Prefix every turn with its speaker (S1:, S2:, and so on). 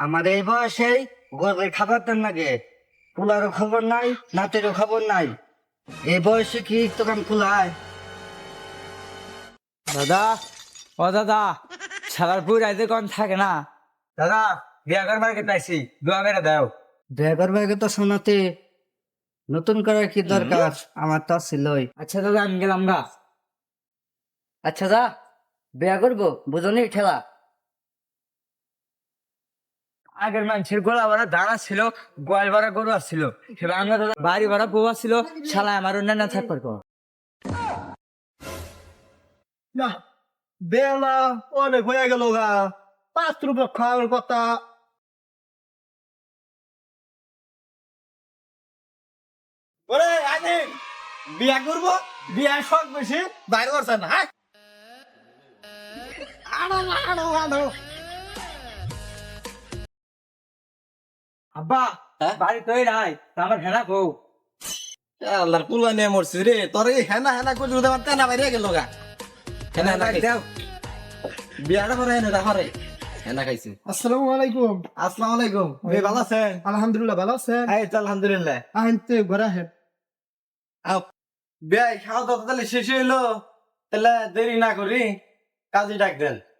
S1: আমার এই বয়সেই গরুর খাবার দেন লাগে, পোলারও খবর নাই, নাতেরও খবর নাই। এই বয়সে কি দোকান খোলায়?
S2: দাদা, ও দাদা, সালারপুর রাইতে কোন থাকে না? দাদা, বিয়া করবার কে পাইছি, দোয়া করে দাও।
S1: ড্রাইভার ভাইকে তো শোনাতে নতুন করার কি দরকার, আমার তো ছিলই।
S2: আচ্ছা দাদা, আমি গেলাম গা।
S1: আচ্ছা যা, বিয়া করবো বুঝনি ঠেলা।
S2: আগের মানুষের গোলা ভরা দাঁড়া ছিল, গোয়াল ভরা গরু আসছিল, সেবার আমরা দাদা বাড়ি ভরা বউ ছিল, শালা আমার অন্যান্য থাকবার পর।
S3: না, বেলা অনেক হয়ে গেল গা, 5 রুপে খাওয়ার কথা। ওরে আনে বিয়া করবো, বিয়া শখ বেশি বাইরে করছে না। হ্যাঁ আনো আনো আনো।
S2: আব্বা, বাড়ি তৈ নাই, আমার হেনা বউ।
S3: আল্লাহর কুলা নিয়ে মরছিস রে, তোর এই হেনা হেনা করে যদি আমার তেনা বাইরে গেল গা। হেনা হেনা খাইছে, বিয়াটা করে হেনা করে হেনা খাইছে।
S4: আসসালামু আলাইকুম।
S3: আসসালামু আলাইকুম, ভাই ভালো আছেন?
S4: আলহামদুলিল্লাহ, ভালো আছেন?
S3: এই তো আলহামদুলিল্লাহ।
S4: আনতে ঘরে আহেন।
S3: বিয়াই খাওয়া দাওয়া তাহলে শেষ হইলো, তাহলে দেরি না করি কাজে ডাক দেন।